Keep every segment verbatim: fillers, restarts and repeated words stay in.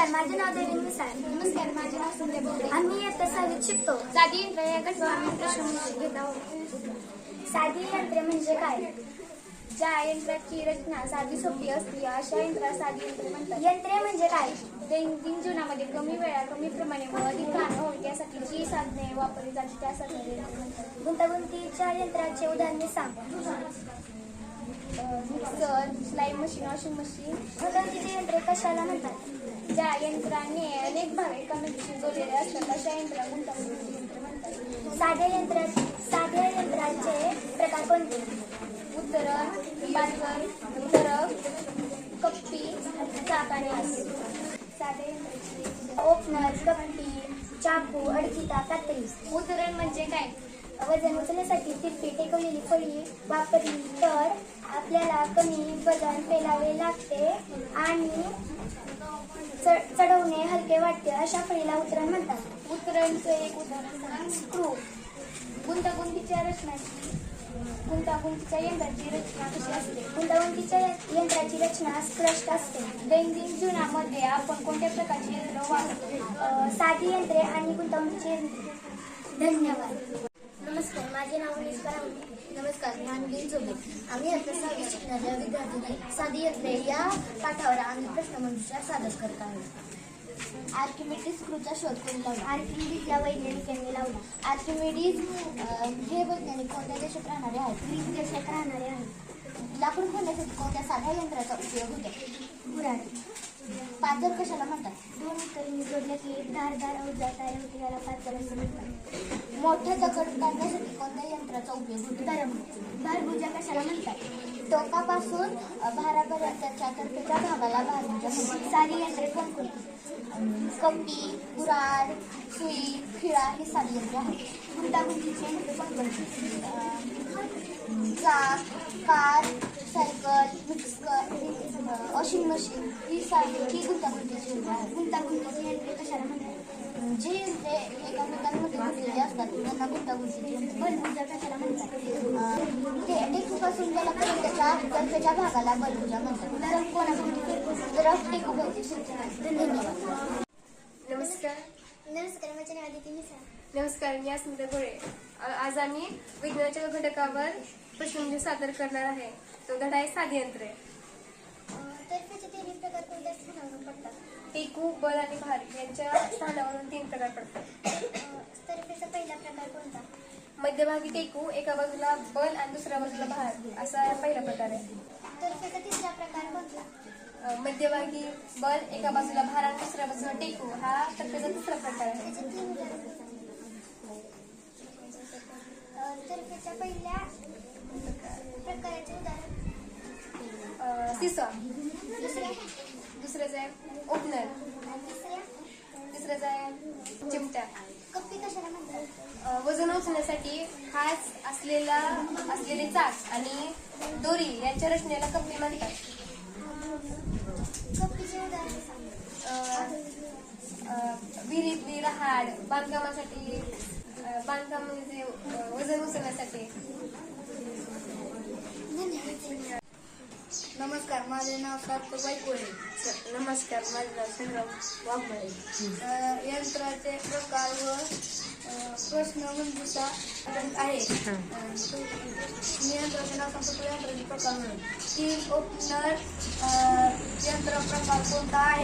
नमस्कार, माझे नाव देवेंद्र मिसाळ. नमस्कार, माझे नाव संध्या बोबडे. आम्ही इयत्ता सहावीत शिकतो. साधी यंत्र या गटावर आम्ही प्रश्न घेत आहोत. साधी यंत्रे म्हणजे काय? ज्या यंत्राची रचना साधी सोपी असते अशा यंत्राला साधी यंत्रे म्हणतात. यंत्रे म्हणजे काय? दैनंदिन जीवनामध्ये कमी वेळा कमी प्रमाणे व अधिक काळ होईल त्यासाठी जी साधने वापरली जाते त्यासाठी यंत्रे म्हणतात. गुंतागुंतीच्या यंत्राचे उदाहरणे सांग. मिक्सर, सिलाई मशीन, वॉशिंग मशीन. गुंतागुंतीचे यंत्रे कशाला म्हणतात? ज्या यंत्राने अनेक भाग एकमेकांशी जोडलेले असतात अशा यंत्राला गुंतागुंतीची यंत्रे म्हणतात. साध्या यंत्रा साध्या यंत्राचे प्रकार कोणते? उतरण, बांधण, उतरक, कप्पी, चाक आणि आस. साध्या यंत्राची ओपनर, कप्पी, चाकू, अडकिता, कात्री. उतरण म्हणजे काय? वजन उचलण्यासाठी तिरपी टेकवलेली फळी वापरली तर आपल्याला कमी वजन पेलावे लागते आणि च- चढवणे हलके वाटते. अशा फळीला उतरण म्हणतात. उतरणचं एक उदाहरण स्क्रू. गुंतागुंतीच्या रचनाची गुंतागुंतीच्या यंत्राची रचना कशी असते? गुंतागुंतीच्या यंत्राची रचना स्पष्ट असते. दैनंदिन जीवनामध्ये आपण कोणत्या प्रकारची यंत्र वापरतो? अ, साधी यंत्रे आणि गुंतागुंतीची यंत्रे. धन्यवाद. नमस्कार, माझे नाव निष्का राऊत. नमस्कार, मी अनवीन चोबे. आम्ही आता सहावीत शिकणाऱ्या विद्यार्थ्यांनी साधी यंत्रे या पाठावर आम्ही प्रश्नमंजुषा सादर करत आहोत. आर्किमिडीज स्क्रूचा शोध कोणी लावला? आर्किमिडीज या वैज्ञानिकांनी लावला. आर्किमिडीज अं, हे वैज्ञानिक कोणत्या देशात राहणारे आहेत? ग्रीक देशात राहणारे आहेत. लाकूड फोडण्यासाठी कोणत्या साध्या यंत्राचा उपयोग होतो? कुऱ्हाड. पाजर कशाला म्हणतात? दोन उतरणी जोडल्या की एक धारदार अवजार तयार होते, याला पाचर असं म्हणतात. मोठा दगड काढण्यासाठी कोणत्या यंत्राचा उपयोग होतो? दरम. भारभुजा कशाला म्हणतात? टोकापासून अं, भारापर्यंतच्या तर्फेच्या भागाला भारभुजा म्हणतात. साधी यंत्रे कोणकोणती? कप्पी, कुऱ्हाड, सुई, खिळा ही साधी यंत्रे आहेत. गुंतागुंतीची यंत्रे कोणकोणती? अं, चाक, car, cycle, mixer, washing machine ही साधी ही गुंतागुंतीची यंत्रे आहेत. गुंतागुंतीची यंत्रे कशाला म्हणतात? जे यंत्रे एकामेकांमध्ये गुंतलेली असतात त्यांना गुंतागुंतीची यंत्रे. बलभुजा कशाला म्हणतात? अं, ते टेकूपासून जलापर्यंतच्या तर्फेच्या भागाला बलभुजा म्हणतात. दरम कोणाकोणती फिरते? जर टेकूभोवती फिरते. धन्यवाद. नमस्कार. नमस्कार, माझे नाव आदिती मिसाळ. नमस्कार, मी अस्मिता गोळे. आ- आज आम्ही विज्ञानाच्या घटकावर प्रश्न सादर करणार आहे. तो धडा आहे साधी यंत्रे. तर्फेचे तिन्ही प्रकार कोणत्या स्थानावरून पडतात? टेकू, बल आणि भार यांच्या स्थानावरून तीन प्रकार पडतात. तर्फेचा पहिला प्रकार कोणता? मध्यभागी टेकू, एका बाजूला बल आणि दुसऱ्या बाजूला भार असा पहिला प्रकार आहे. तर्फेचा तिसरा प्रकार कोणता? अ, मध्यभागी बल, एका बाजूला भार आणि दुसऱ्या बाजूला टेकू हा तर्फेचा तिसरा प्रकार आहे. त्याचे तीन उदाहरणे सांगा. तर्फेच्या पहिल्या प्रकाराचे उदाहरण. अ, सिसॉ. दुसऱ्या दुसऱ्याचं आहे ओपनर. आणि तिसऱ्या तिसऱ्याचं आहे चिमटा. कप्पी कशाला म्हणतात? अ, वजन उचलण्यासाठी खास असलेला असलेले चाक आणि दोरी यांच्या रचनेला कप्पी म्हणतात. कप्पीचे उदाहरण सांगा. अ, अ, विहिरीतली रहाड, बांधकामासाठी अ, बांधकाम म्हणजे अ, वजन उचलण्यासाठी. नमस्कार, माझे नाव सार्थकबाई कोळे. नमस्कार, माझं नाव संग्राम वाघमारे. यंत्राचे प्रकार व प्रश्नमंजुषा आहे. मी यंत्राचे नाव सांगतो. यंत्राचे प्रकार म्हणून तीन ओपनर यंत्र प्रकार कोणता आहे?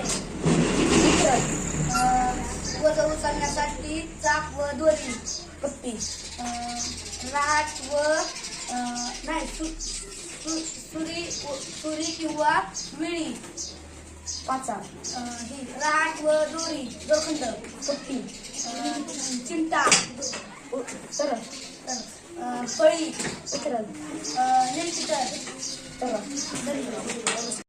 वजन उचलण्यासाठी चाक व दोरी. कप्पी. राट व नाही सु- सु- सुरी सुरी किंवा विळी. पाचा. ही राट व दोरी. दोखंड. कप्पी. चिमटा. तर फळी. उतरण. नेमकी तर.